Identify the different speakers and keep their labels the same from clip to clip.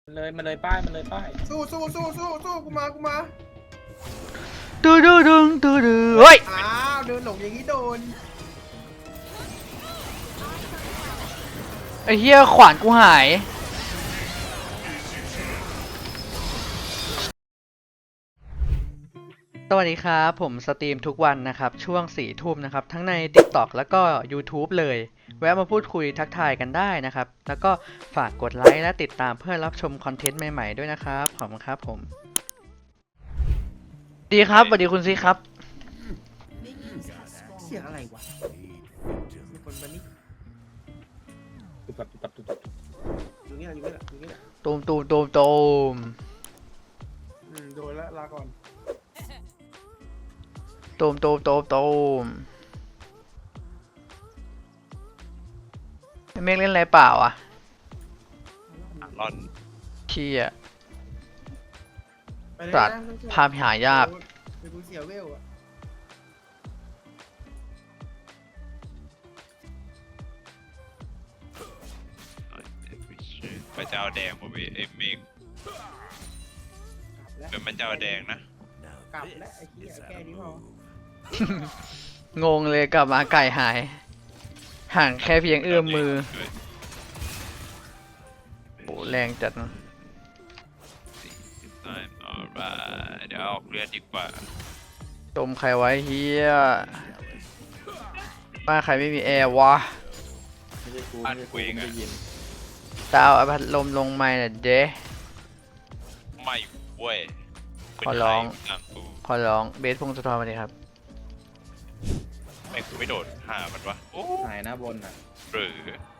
Speaker 1: มันเลยป้าย
Speaker 2: สู้กูมา
Speaker 3: ดูเฮ้ย
Speaker 2: อ้าวเดินหลงอย่างนี้โดน
Speaker 3: ไอ้เหี้ยขวานกูหายสวัสดีครับผมสตรีมทุกวันนะครับช่วง4 ทุ่มนะครับทั้งใน TikTok แล้วก็ YouTube เลยแวะมาพูดคุยทักทายกันได้นะครับแล้วก็ฝากกดไลค์และติดตามเพื่อรับชมคอนเทนต์ใหม่ๆด้วยนะครับขอบคุณครับผมดีครับสวัสดีคุณซีครับ
Speaker 2: เสียงอะไรวะมีคนมานี่
Speaker 1: ตุบตับ
Speaker 2: อยู่นี่แหละ
Speaker 3: ตูม
Speaker 2: โดนแล้วลาก่อน
Speaker 3: เมฆเล่นอะไรเปล่าอ่ะ
Speaker 4: รอน
Speaker 3: เชี่ย
Speaker 2: ไปเลย
Speaker 3: ตัด
Speaker 2: นะ
Speaker 3: ภาพหายาก
Speaker 2: ไปกูเสียเวลอะ
Speaker 4: ไปเจ้าแดงผมเอ็มเมก
Speaker 2: แล้ว
Speaker 4: เป็นมันเจ้าแดงนะ
Speaker 2: กลับแล้วไอ้เหี้ยแค่นี้พอง
Speaker 3: งเลยกลับมาไก่หาย ห่างแค่เพียงเอื้อมมือโอ้แรงจัดนะ
Speaker 4: เดี๋ยวออกเลือดดีกว่า
Speaker 3: จมใครไว้เฮียบ้านใครไม่มีแอร์วะ
Speaker 1: ไม่ใช่กู
Speaker 4: บ้านกูเองอะ
Speaker 1: ได้ยิน
Speaker 3: ดาวเอาพัดลมลงไม่น่ะเด้
Speaker 4: ไม่เว้ย
Speaker 3: ขอร้อง
Speaker 4: หลังกู
Speaker 3: ขอร้องเบสพงศธรมาดิครับ
Speaker 4: ไม่กูไม่โดดหามันวะโอ้
Speaker 1: หายหน้าบนอ่ะ
Speaker 4: หรือ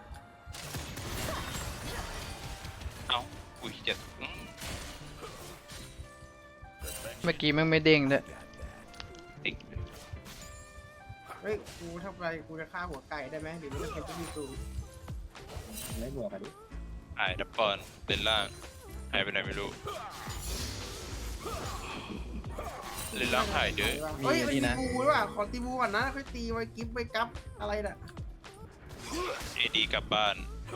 Speaker 4: เอ้ากูจะ
Speaker 3: เมื่อกี้แม่งไม่เด้งด้วย
Speaker 4: ติ๊ก
Speaker 2: เฮ้ยกูทำไรกูจะฆ่าหัวไก่ได้ไหมหรือมันเป็นที่มีกู
Speaker 1: ไม่บวกกันดิ
Speaker 4: หายดับปอนเป็นล่างหายไปไหนไม่รู้เล่นล่างหายเด้อ
Speaker 2: เฮ้ยมันมีบูด้วยว่ะขอตีบูก่อนนะค่อยตีไว้กิฟต์ไว้กับอะไรน่ะ
Speaker 4: เอดีกลับบ้าน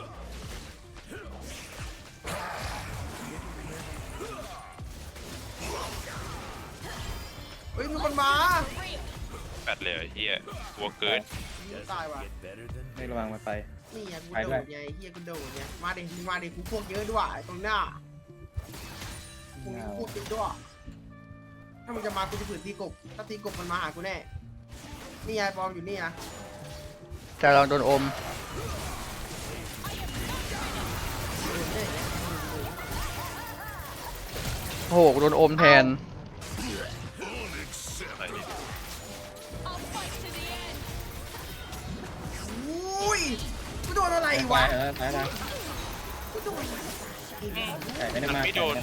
Speaker 2: เฮ้ยมีคนมา
Speaker 4: แปดเลยไอ้เฮียกลัวเกิน
Speaker 2: ตายว่ะ
Speaker 1: ไม่ระวังมันไป
Speaker 2: นี่ไงกู
Speaker 1: ไป
Speaker 2: โด
Speaker 1: ด้วย
Speaker 2: ดไงเฮียกูโดดไงมาดิมึงมาดิกูพวกเยอะด้วยไอ้ตรงหน้ากูมีพวกเยอะด้วยถ้ามึงจะมากูจะฝืนตีกบถ้าตีกบมันมาหากูแน่นี่ไงบอมอยู่นี่นะ
Speaker 3: จะลองโดนอมโอ้โหกูโดนอมแทน
Speaker 2: อุ้ยกูโดนอะไร
Speaker 1: ไป
Speaker 2: วะ
Speaker 1: ไป
Speaker 2: กูโดน
Speaker 1: แต่ไม่ได้มาก
Speaker 4: ไม่โดน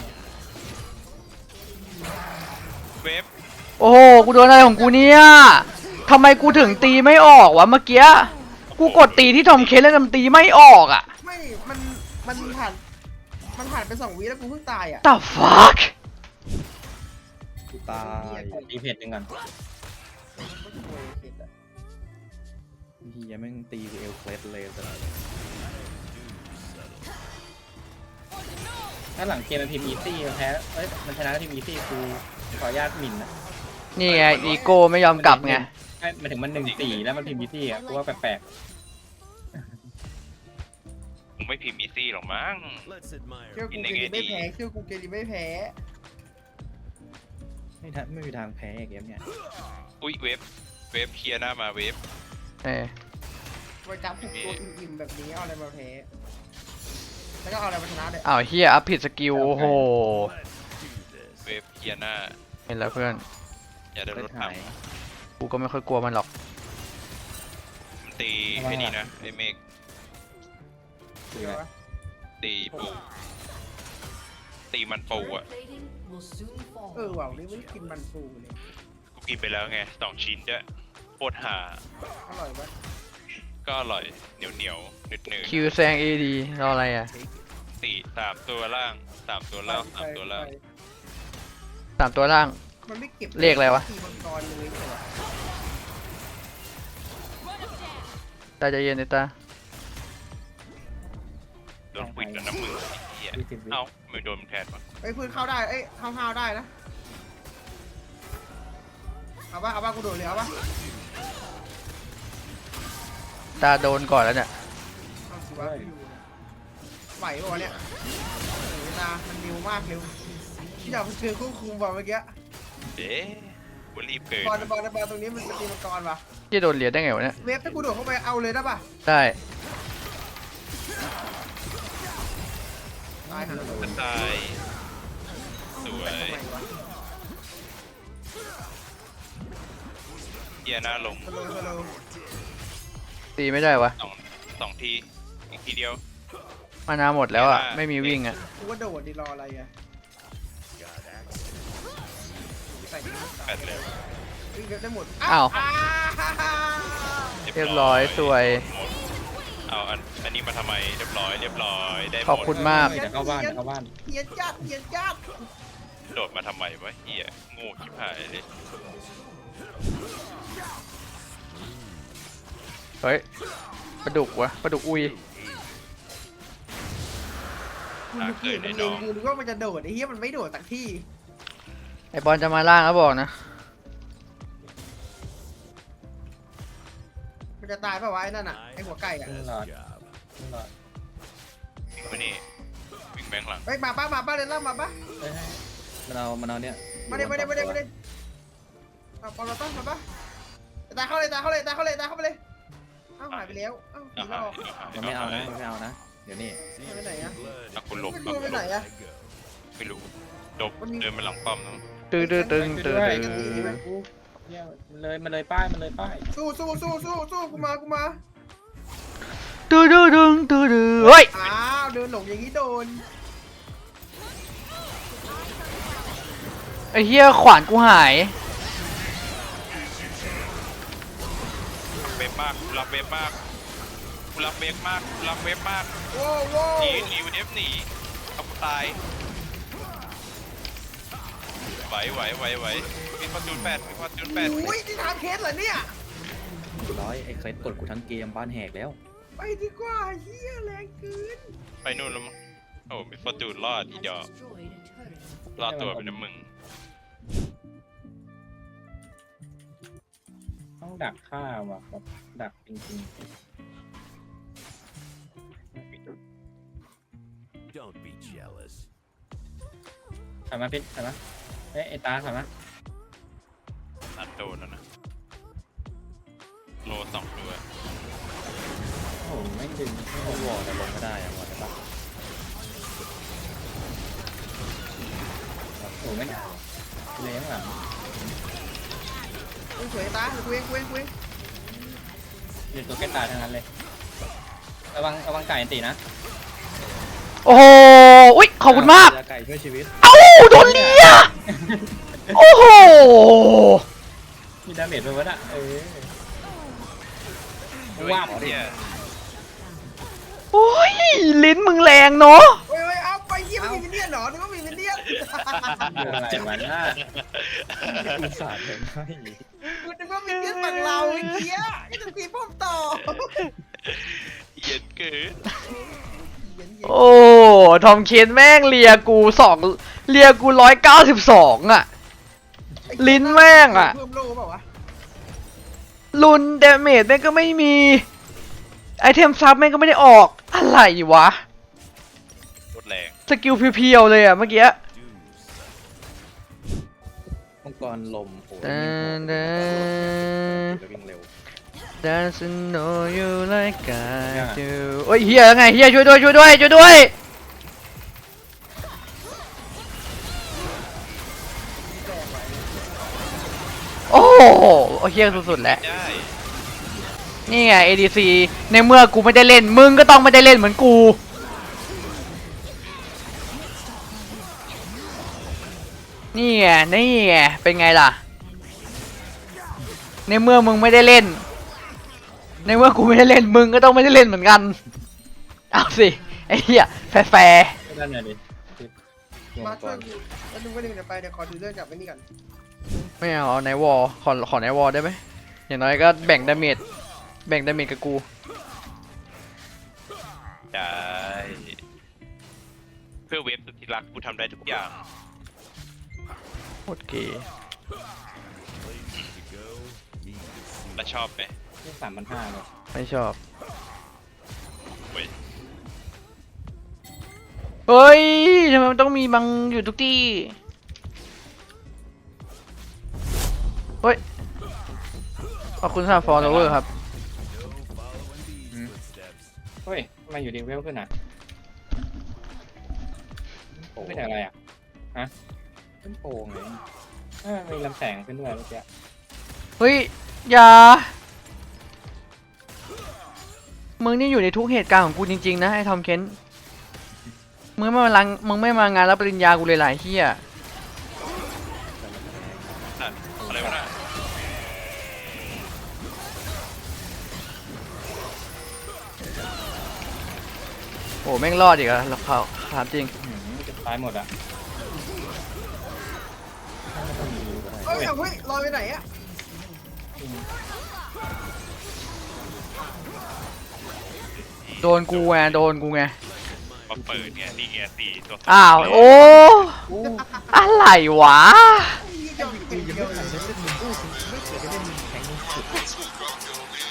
Speaker 4: เวฟ
Speaker 3: โอ้โหกูโดนอะไรของกูเนี่ยทำไมกูถึงตีไม่ออกวะเมื่อกี้กูกดตีที่ทอมเคสแล้วมันตีไม่ออกอ่ะ
Speaker 2: ไม่มันผ่านไป2 วิแล้วกูเพิ่งตายอ่ะ
Speaker 3: The fuck
Speaker 1: กูตายตีเพจหนึ่งก่อนพี่ยังไม่ตีกูเอลเคลสเลยตลอดถ้าหลังเกมมันพิมพ์อีซี่มันแพ้เอ้ยมันชนะทีมอีซี่กูขออนุญาตหมิ่นนะ
Speaker 3: นี่ไงอีโก้ไม่ยอมกลับไง
Speaker 1: ไม่มันถึงมัน1-4แล้วมันพิมพ์อีซี่อ่ะกูว่าแปลก
Speaker 4: มึงไม่พิมพ์อีซี่หรอกมั้ง
Speaker 2: เชื่อกูเกลีไม่แพ้เชื่อกูเกลีไม่แพ้
Speaker 1: ๆไม่มีทางแพ้เกมเนี่ย
Speaker 4: อุ้ยเวฟเคลียร์หน้ามาเวฟ
Speaker 3: เออ
Speaker 2: ไว้จับผูกตัวอิ่มๆแบบนี้เอาอะไรมาแพ้แล้วก็เอาอะไรมาชนะเด็ด
Speaker 3: อ้าวเฮียอัพผิดสกิลโอ้โห
Speaker 4: เวฟเคลียร์หน้า
Speaker 3: เห็นแล้วเพื่อน
Speaker 4: อย่าได้รถถั
Speaker 1: หาง ย
Speaker 3: กูก็ไม่ค่อยกลัวมันหรอก
Speaker 4: มันตีไอ้นี่นะไอ้เมก
Speaker 1: คืออะไร
Speaker 4: ตีปูตีมันปูอ่ะ
Speaker 2: ว่ะวันนี้ไม่ได้กินมันปูเลย
Speaker 4: กูกินไปแล้วไง2 ชิ้นด้วยโคตรหา
Speaker 2: อร่อยปะ
Speaker 4: ก็อร่อยเหนียวหนืด
Speaker 3: คิวแซงเอดีรออะไรอ่ะ
Speaker 4: 3 ตัวล่าง3 ตัวล่าง3 ตัวล่าง
Speaker 3: 3 ตัวล่าง
Speaker 2: มันไม่เก็บ
Speaker 3: เลขอะไรวะ
Speaker 2: ตีมังกรเลยเหรอ
Speaker 3: ตาใจเย็นเลยตา
Speaker 4: โดนปิดแล้วน้ำมือไอ้เหี้ย
Speaker 1: 20 วิ
Speaker 4: เอ้าไม่โดนมันแทนวะ
Speaker 2: ไอ้ยพื้นเข้าได้เอ้ยเข้าได้นะเอาป่ะกูโดดเลยเอาป่ะ
Speaker 3: ตาโดนก่อนแล้วเนี่ย
Speaker 2: เอาสิวะไหวป่ะวะเนี่ยเวลามันเร็วมากเร็วอยากไปเจอควบคุมว่ะเมื่อกี้
Speaker 4: เอ๊ะกูรีบเกิน
Speaker 2: บอลตรงนี้มันตีมังกรป่ะ
Speaker 3: ที่โดนเหรียญได้ไงวะเนี่ย
Speaker 2: เวฟถ้ากูโดดเข้าไปเอาเลยได้ป่ะ
Speaker 3: ได้
Speaker 2: ตายหาแล้ว
Speaker 4: มันตายสวยเฮียหน้าลง
Speaker 2: ฮัลโหล
Speaker 3: ตีไม่ได้วะ
Speaker 4: สองทีอีกทีเดียว
Speaker 3: มานาหมดแล้วอ่ะไม่มีวิ่งอ่ะ
Speaker 2: กูว่าโดดดิรออะไรอ่ะใส่
Speaker 4: แปดเลย
Speaker 2: วิ่งเวฟได้หมด
Speaker 3: อ้าว เรียบร้อยสวย
Speaker 4: เอาอันนี้มาทำไมเรียบร้อยได้หมด
Speaker 3: ขอบคุณมาก
Speaker 1: เดี๋ยวเข้าบ้านเดี๋ยวเข้าบ้าน
Speaker 2: เฮียจัด
Speaker 4: โดดมาทำไมวะเฮียโง่ชิบหายเลย
Speaker 3: เฮ้ยปลาดุกวะปลาดุกอุย
Speaker 2: กูนึกเห็นมันเล็งกูนึกว่ามันจะโดดไอ้เหี้ยมันไม่โดดสักที่
Speaker 3: ไอบอลจะมาล่างแล้วบอกนะ
Speaker 2: มันจะตายป่าวะไอ้นั่นอ่ะไอ้หัวไก่อ่ะ
Speaker 1: ขึ้นหลอดขึ้นหลอด
Speaker 4: วิ่งมานี่วิ่งแบงค์หลัง
Speaker 2: เฮ้ยมาป้าเลยล่ามาป้า
Speaker 1: เฮ้ยมันเอาเนี่ย
Speaker 2: มาเด้เอาปอลต้นมาป้าตายเข้าเลยเอ้าหายไปแล้วเอ้าผีหลอก
Speaker 1: มันไม่เอานะเดี๋ยวนี้
Speaker 2: ไปไหนอ่ะ
Speaker 4: อ่ะคุณหลบ
Speaker 2: ไม่รู้ไปไหนอ่ะ
Speaker 4: ไม่รู้เดินมาหลังป้อมนะ
Speaker 3: ตึง
Speaker 1: เนี่ยมันเลยป้าย
Speaker 2: สู้กูมา
Speaker 3: เฮ้ย
Speaker 2: อ้าวเดินหลงอย่างนี้โดน
Speaker 3: ไอเฮียขวานกูหาย
Speaker 4: เวฟมากกูรับเวฟมาก
Speaker 2: โว้
Speaker 4: หนีเอฟหนีเอากูตายไหวมีฟอร์จูนแปด
Speaker 2: อุ้ยที่ทำเคสเหรอเนี่ย
Speaker 1: ร้อยไอ้เคสกดกูทั้งเกมบ้านแหกแล้ว
Speaker 2: ไปดีกว่าเฮียแรงเกิน
Speaker 4: ไปนู่นแล้วมั้งโอ้มีฟอร์จูนรอดอีดอกรอดตัวเป็นน้ำมึง
Speaker 1: ต้องดักฆ่าว่ะครับดักจริง
Speaker 5: Don't be jealous.
Speaker 1: ๆถอยมาพิษถอยมาเฮ้ยไอ้ตาถอยมา
Speaker 4: อัดโดนแล้วนะโลสองด้วย
Speaker 1: โอ้โหไม่ดึงไม่เอาวอร์ดลงไม่ได้อะวอร์ดได้ปะโอ้โหไม่ได้เลี้ยงหลัง
Speaker 2: สวยตากูเอง
Speaker 1: เดี๋ยวตัวแก้ตายทั้งนั้นเลยระวังไก่อันตีนะ
Speaker 3: โอ้โหอุ๊ยขอบคุณมาก
Speaker 1: ไก่ช่วยชีวิต
Speaker 3: เอ้าโดนเลียโอ้โห
Speaker 1: มีดาเมจไปวะน่ะ
Speaker 4: ด้วย
Speaker 1: ว่าบดิ
Speaker 4: เหี้ย
Speaker 3: โอ้ยลิ้นมึงแรงเนาะ
Speaker 2: เฮ้ยเอาไปเยี่ยมมีมินเนี่ยนเหรอนึกว่ามีมินเนี่ยน
Speaker 1: อะไรวะน่าอุตส่าห์เลยให้
Speaker 2: กูนึกว่ามินเนี่ยนฝั่งเราไอ้เหี้ยก็จะตีป้อมต่อ
Speaker 4: เย็นเกิน
Speaker 3: โอ้ทอมเคนแม่งเลียกู192อ่ะ ลิ้นแม่งอะ
Speaker 2: เพิ่มโลเปล่าวะ
Speaker 3: ลุนเดเมจแม่งก็ไม่มีไอเทมซับแม่งก็ไม่ได้ออกอะไรวะ
Speaker 4: โคตรแรง
Speaker 3: สกิลเพียวๆเลยอะเมื่อกี้
Speaker 1: มังกรลมโอ้ย วิ่งเร็ว
Speaker 3: Doesn't know you like I do โอ้ยเฮียไงเฮียช่วยด้วย โอ้โหเฮียสุดๆแล้ว
Speaker 4: ได้
Speaker 3: นี่ไง ADC ในเมื่อกูไม่ได้เล่นมึงก็ต้องไม่ได้เล่นเหมือนกู นี่ไงเป็นไงล่ะ ในเมื่อมึงไม่ได้เล่น ในเมื่อกูไม่ได้เล่นมึงก็ต้องไม่ได้เล่นเหมือนกัน เอาสิไอ้เหี้ยแฟร์
Speaker 1: ไม่ได้เนี่ยดิ
Speaker 2: มาช่วยกูแล้วดูว่าเดี๋ยวไปเดี๋ยวขอดูเรื่องกับไอ้นี่ก่อน
Speaker 3: ๆไม่เอาในวอลขอในวอลได้ไหมอย่างน้อยก็แบ่งดาเมจกับกู
Speaker 4: ได้เพื่อเวฟสุดที่รักกูทำได้ทุกอย่าง
Speaker 3: โคตรเก๋
Speaker 5: Places to go, need to see.
Speaker 4: และชอบไหม
Speaker 1: ที่3,500เลย
Speaker 3: ไม่ชอบ
Speaker 4: เว้ย
Speaker 3: เฮ้ยทำไมมันต้องมีบังอยู่ทุกที่ เฮ้ย ขอบคุณสำหรับฟอลโลเวอร์ครับ
Speaker 5: No following these footsteps.
Speaker 1: เฮ้ยทำไมอยู่ดีเวลขึ้นอ่ะขึ้นอะไรอ่ะฮะขึ้นโป่งไงมีลำแสงขึ้นด้วยเมื่อกี้
Speaker 3: เฮ้ย อย่า มึงนี่อยู่ในทุกเหตุการณ์ของกูจริงๆนะไอ้ทอมเคนมึงไม่มางานรับปริญญากูเลยหลายเฮีย
Speaker 4: นั่นอะไรวะน่ะ
Speaker 3: โอ้แม่งรอดอีกอะเราเขาถามจริง
Speaker 1: จะตายหมดอ่ะ
Speaker 2: เฮ้ยเฮ้ยลอยไปไหนอะ
Speaker 3: โดนกูไงโดนกูไง
Speaker 4: มาเปิดเนี่ยนี่ไงสี่ตัว
Speaker 3: อ้าว โอ้ อะไรวะ
Speaker 2: เดียวเดียวเลย